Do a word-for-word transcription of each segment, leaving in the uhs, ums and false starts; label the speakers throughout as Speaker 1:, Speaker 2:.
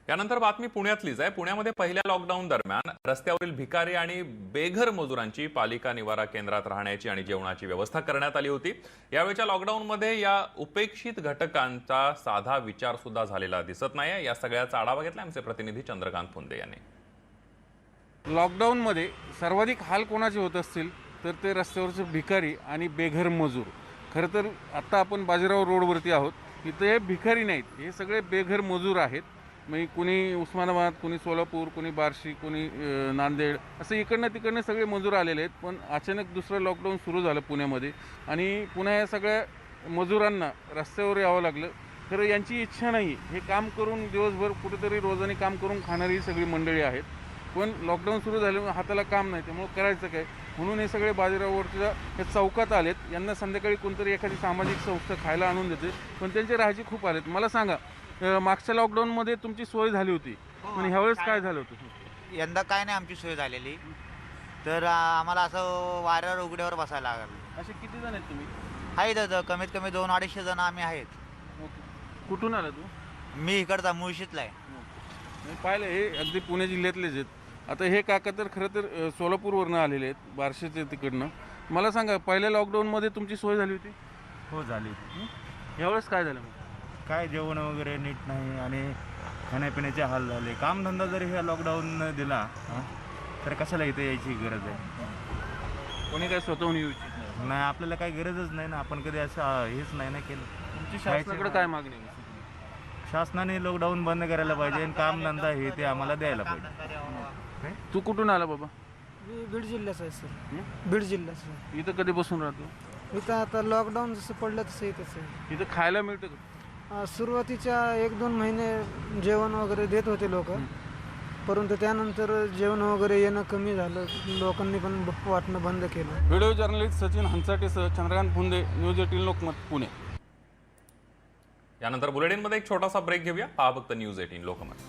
Speaker 1: यानंतर बातमी पुण्यातलीच आहे। पुण्यामध्ये पहिल्या लॉकडाऊन दरम्यान रस्त्यावरील भिकारी आणि बेघर मजुरांची पालिका निवारा केंद्रात राहण्याची आणि जेवणाची व्यवस्था करण्यात आली होती। यावेळच्या लॉकडाऊनमध्ये या उपेक्षित घटकांचा साधा विचार सुद्धा झालेला दिसत नाही। या सगळ्याचा आढावा घेतला आमचे प्रतिनिधी चंद्रकांत फुंदे यांनी।
Speaker 2: लॉकडाऊन मध्ये सर्वाधिक हाल कोणाचे होत असतील तर ते रस्त्यावरचे भिकारी आणि बेघर मजूर। खरं तर आता आपण बाजीराव रोडवरती आहोत। इथे हे भिकारी नाहीत, हे सगळे बेघर मजूर आहेत। मग कोणी उस्मानाबाद, कोणी सोलापूर, कोणी बार्शी, कोणी नांदेड, असं इकडनं तिकडनं सगळे मजूर आलेले आहेत। पण अचानक दुसरं लॉकडाऊन सुरू झालं पुण्यामध्ये आणि पुन्हा या सगळ्या मजुरांना रस्त्यावर यावं लागलं। खरं यांची इच्छा नाही, हे काम करून दिवसभर कुठेतरी रोजाने काम करून खाणारी सगळी मंडळी आहेत। पण लॉकडाऊन सुरू झाल्यामुळे हाताला काम नाही, त्यामुळे करायचं काय म्हणून हे सगळे बाजीरावरच्या हे चौकात आलेत। यांना संध्याकाळी कोणतरी एखादी सामाजिक संस्था खायला आणून देते, पण त्यांचे राहायचे खूप आलेत। मला सांगा, मागच्या लॉकडाऊनमध्ये तुमची सोय झाली होती, पण ह्यावेळेस काय झालं होतं?
Speaker 3: यंदा काय नाही आमची सोय झालेली, तर आम्हाला असं वाऱ्यावर उघड्यावर बसायला लागलं।
Speaker 2: असे किती जण आहेत तुम्ही?
Speaker 3: आहेत आता कमीत कमी दोन अडीचशे जण आम्ही आहेत।
Speaker 2: कुठून आला तू?
Speaker 3: मी इकडचा मुळशीतला आहे।
Speaker 2: मी पाहिलं हे अगदी पुणे जिल्ह्यातलेच आहेत। आता हे काका तर खरं तर सोलापूरवरनं आलेले आहेत, बार्शीचे तिकडनं। मला सांगा, पहिल्या लॉकडाऊनमध्ये तुमची सोय झाली होती?
Speaker 4: हो झाली।
Speaker 2: यावेळेस काय झालं?
Speaker 4: काय जेवण वगैरे नीट नाही आणि खाण्यापिण्याचे हाल झाले। कामधंदा जरी ह्या लॉकडाऊन दिला तर कशाला इथे यायची गरज आहे?
Speaker 2: कोणी काय स्वतःहून येऊ इच्छित नाही?
Speaker 4: नाही, आपल्याला काही गरजच नाही ना, आपण कधी असं हेच नाही ना केलं।
Speaker 2: तुमची शासनाकडे काय मागणी आहे?
Speaker 4: शासनाने लॉकडाऊन बंद करायला पाहिजे आणि कामधंदा हे ते आम्हाला द्यायला पाहिजे।
Speaker 2: तू कुठून आला बाबा?
Speaker 5: मी बीड जिल्ह्याचा आहे सर। बीड जिल्ह्याचा।
Speaker 2: इथं कधी बसून राहतो?
Speaker 5: इथं आता लॉकडाऊन जसं पडलं तसं इथंच आहे।
Speaker 2: इथं खायला मिळतं का?
Speaker 5: सुरुवातीच्या एक दोन महिने जेवण वगैरे देत होते लोक, परंतु त्यानंतर जेवण वगैरे येणं कमी झालं, लोकांनी पण वाटणं बंद केलं।
Speaker 2: व्हिडिओ जर्नलिस्ट सचिन हंचाटेसह चंद्रकांत फुंदे, न्यूज एटीन लोकमत, पुणे।
Speaker 1: यानंतर बुलेटिनमध्ये एक छोटासा ब्रेक घेऊया। पहा फक्त न्यूज एटीन लोकमत।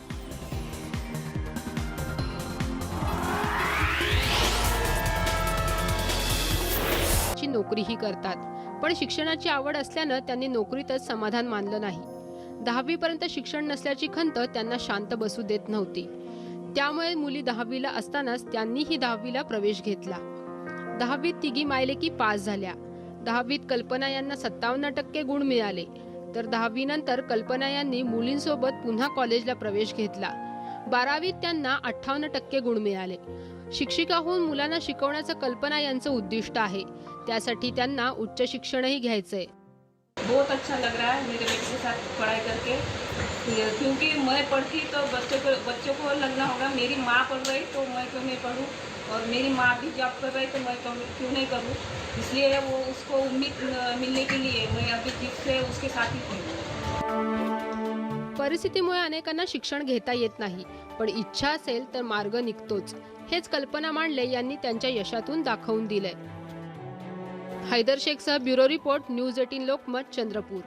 Speaker 6: नोकरीही करतात, पण शिक्षणाची आवड असल्यानं त्यांनी नोकरीतच समाधान मानलं नाही। दहावी पर्यंत शिक्षण नसल्याची खंत त्यांना शांत बसू देत नव्हती। त्यामुळे मुली दहावीला असतानाच त्यांनीही दहावीला प्रवेश घेतला। दहावीत तिघी मायलेकी पास झाल्या। दहावीत कल्पना यांना सत्तावन्न टक्के गुण मिळाले, तर दहावी नंतर कल्पना यांनी मुलींसोबत पुन्हा कॉलेजला प्रवेश घेतला। बारावीत त्यांना अठ्ठावन्न टक्के गुण मिळाले। शिक्षिका होऊन मुलांना शिकवण्याचं कल्पना यांचं उद्दिष्ट आहे, त्यासाठी त्यांना उच्च शिक्षणही घ्यायचंय।
Speaker 7: बहुत अच्छा लग रहा है मेरे बेटे के साथ पढ़ाई करके, क्योंकि मैं पढ़ती तो बच्चों को बच्चों को लगना होगा मेरी माँ पढ़ रही तो मैं क्यों नहीं पढ़ूँ, और मेरी माँ भी जॉब कर रही तो मैं क्यों नहीं करूँ। इसलिए वो उसको उम्मीद मिलने के लिए मैं अभी जिद से उसके साथ ही पढ़ूँ।
Speaker 6: परिस्थितीमुळे अनेकांना शिक्षण घेता येत नाही, पण इच्छा असेल तर मार्ग निघतोच, हेच कल्पना मांडले यांनी त्यांच्या यशातून दाखवून दिलंय। हैदर शेखसह bureau report, news eighteen Lokmat, Chandrapur.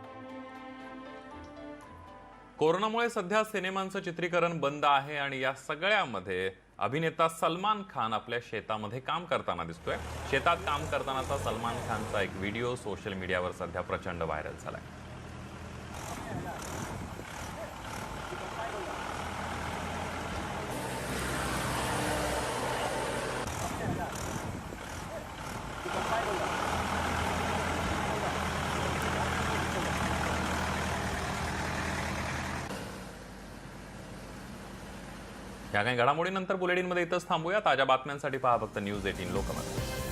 Speaker 1: कोरोनामुळे सध्या सिनेमांचं चित्रीकरण बंद आहे आणि या सगळ्यामध्ये अभिनेता सलमान खान आपल्या शेतामध्ये काम करताना दिसतोय। शेतात काम करतानाचा सलमान खानचा एक व्हिडिओ सोशल मीडियावर सध्या प्रचंड व्हायरल झालाय। या काही घडामोडीनंतर बुलेटिनमध्ये इथंच थांबूया। ताज्या बातम्यांसाठी पहा फक्त न्यूज एटीन लोकमत।